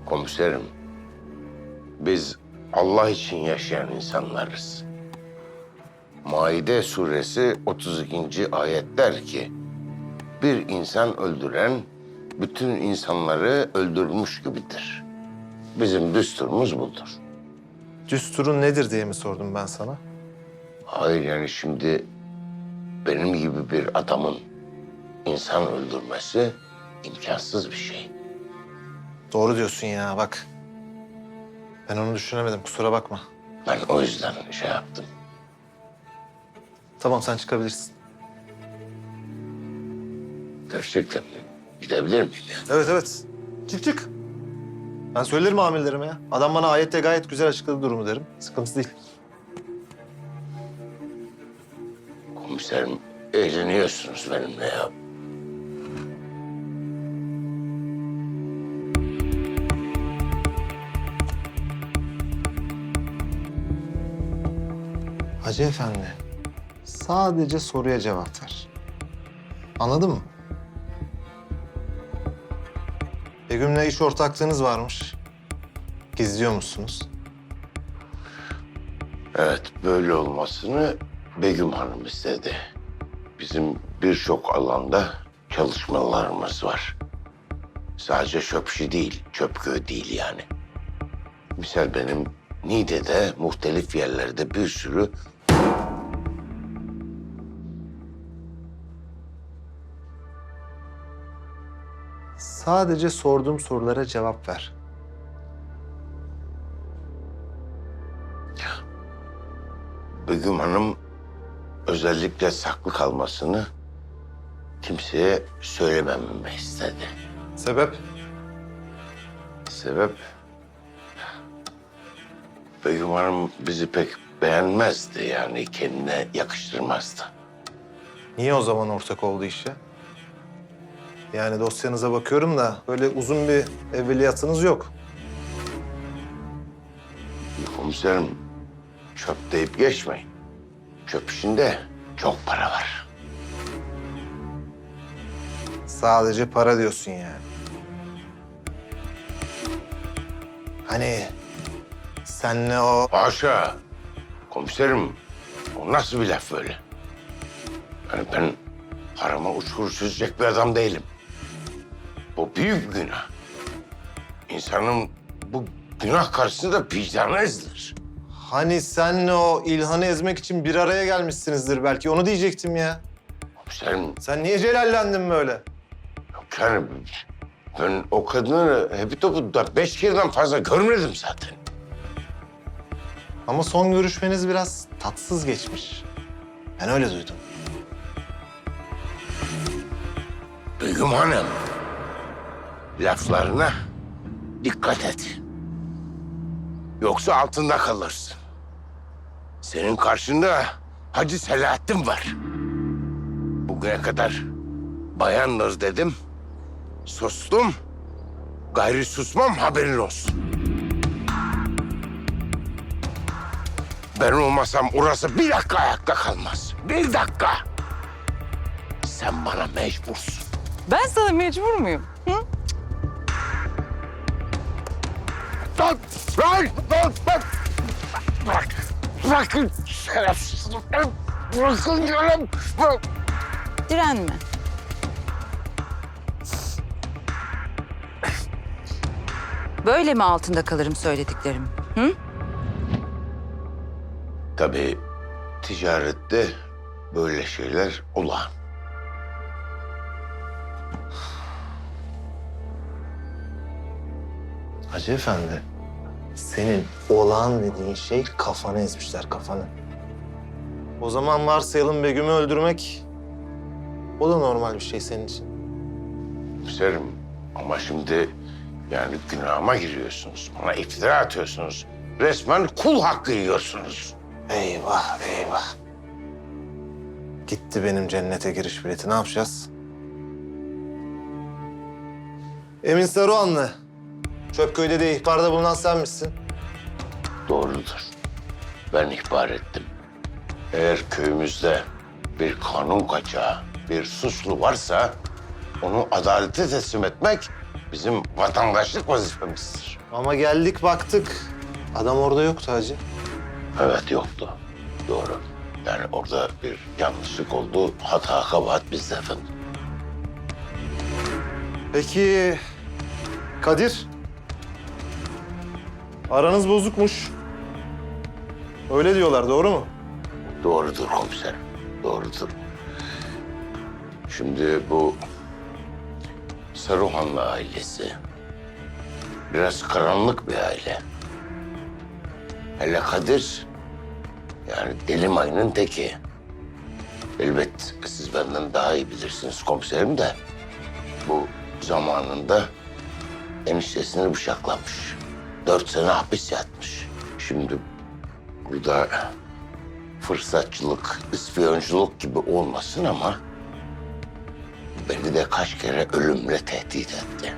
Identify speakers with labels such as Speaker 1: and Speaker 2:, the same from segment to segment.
Speaker 1: Komiserim, biz Allah için yaşayan insanlarız. Maide suresi 32. ayet der ki, bir insan öldüren bütün insanları öldürmüş gibidir. Bizim düsturumuz budur.
Speaker 2: Düsturun nedir diye mi sordum ben sana?
Speaker 1: Hayır yani şimdi benim gibi bir adamın insan öldürmesi imkansız bir şey.
Speaker 2: Doğru diyorsun ya bak. Ben onu düşünemedim kusura bakma.
Speaker 1: Ben o yüzden şey yaptım.
Speaker 2: Tamam sen çıkabilirsin.
Speaker 1: Gerçekten gidebilir miyim ya?
Speaker 2: Evet evet. Çık çık. Ben söylerim amirlerime ya. Adam bana ayette gayet güzel açıkladı durumu derim. Sıkıntı değil.
Speaker 1: Komiserim, eğleniyorsunuz benimle ya.
Speaker 2: Hacı Efendi, sadece soruya cevap ver. Anladın mı? Begüm'le iş ortaklığınız varmış. Gizliyor musunuz?
Speaker 1: Evet, böyle olmasını Begüm Hanım istedi. Bizim birçok alanda çalışmalarımız var. Sadece Çöpşi değil, Çöpköy değil yani. Misal benim Niğde'de muhtelif yerlerde bir sürü
Speaker 2: Sadece sorduğum sorulara cevap ver.
Speaker 1: Begüm Hanım özellikle saklı kalmasını kimseye söylemememi istedi.
Speaker 2: Sebep?
Speaker 1: Sebep? Begüm Hanım bizi pek beğenmezdi yani kendine yakıştırmazdı.
Speaker 2: Niye o zaman ortak oldu işe? Yani dosyanıza bakıyorum da böyle uzun bir evveliyatınız yok.
Speaker 1: Komiserim çöp deyip geçmeyin. Çöp işinde çok para var.
Speaker 2: Sadece para diyorsun yani. Hani senle o...
Speaker 1: Haşa! Komiserim o nasıl bir laf böyle? Yani ben harama uçkur süzecek bir adam değilim. Bu büyük bir günah. İnsanın bu günah karşısında vicdanı ezilir.
Speaker 2: Hani senle o İlhan'ı ezmek için bir araya gelmişsinizdir belki. Onu diyecektim ya.
Speaker 1: Komiserim
Speaker 2: Sen niye celallendin böyle?
Speaker 1: yok yani ben o kadını hepi topu da 5 kereden fazla görmedim zaten.
Speaker 2: Ama son görüşmeniz biraz tatsız geçmiş. Ben öyle duydum.
Speaker 1: Begüm Hanım, laflarına dikkat et. Yoksa altında kalırsın. Senin karşında Hacı Selahattin var. Bugüne kadar bayandır dedim, sustum. Gayri susmam haberin olsun. Ben olmasam orası bir dakika ayakta kalmaz. Bir dakika. Sen bana mecbursun.
Speaker 3: Ben sana mecbur muyum? Hı?
Speaker 1: Lan! Lan! Bırak! Bırakın şerefsiz! Bırakın diyorum!
Speaker 3: Direnme. Böyle mi altında kalırım söylediklerim? Hı?
Speaker 1: Tabii ticarette böyle şeyler olağan.
Speaker 2: Hacı Efendi, senin olağan dediğin şey kafanı ezmişler, kafanı. O zaman varsayalım Begüm'ü öldürmek, o da normal bir şey senin için.
Speaker 1: Komiserim ama şimdi yani günahıma giriyorsunuz. Bana iftira atıyorsunuz. Resmen kul hakkı yiyorsunuz.
Speaker 2: Eyvah, eyvah. Gitti benim cennete giriş bileti, ne yapacağız? Emin Saruhanlı, Çöpköy'de de ihbarda bulunan sen misin?
Speaker 1: Doğrudur. Ben ihbar ettim. Eğer köyümüzde bir kanun kaçağı, bir suçlu varsa onu adalete teslim etmek bizim vatandaşlık vazifemizdir.
Speaker 2: Ama geldik baktık. Adam orada yoktu hacı.
Speaker 1: Evet, yoktu. Doğru. Yani orada bir yanlışlık oldu. Hata kabahat bizde efendim.
Speaker 2: Peki Kadir? Aranız bozukmuş. Öyle diyorlar, doğru mu?
Speaker 1: Doğrudur komiserim. Doğrudur. Şimdi bu Saruhanlı ailesi biraz karanlık bir aile. Hele Kadir yani deli mayının teki. Elbet siz benden daha iyi bilirsiniz komiserim de bu zamanında eniştesini bıçaklamış. 4 sene hapis yatmış. Şimdi burada fırsatçılık, ispiyonculuk gibi olmasın ama beni de kaç kere ölümle tehdit etti.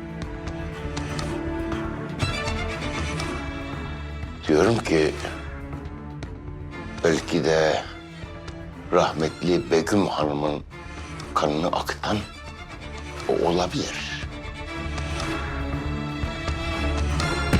Speaker 1: Diyorum ki belki de rahmetli Begüm Hanım'ın kanını akıtan o olabilir.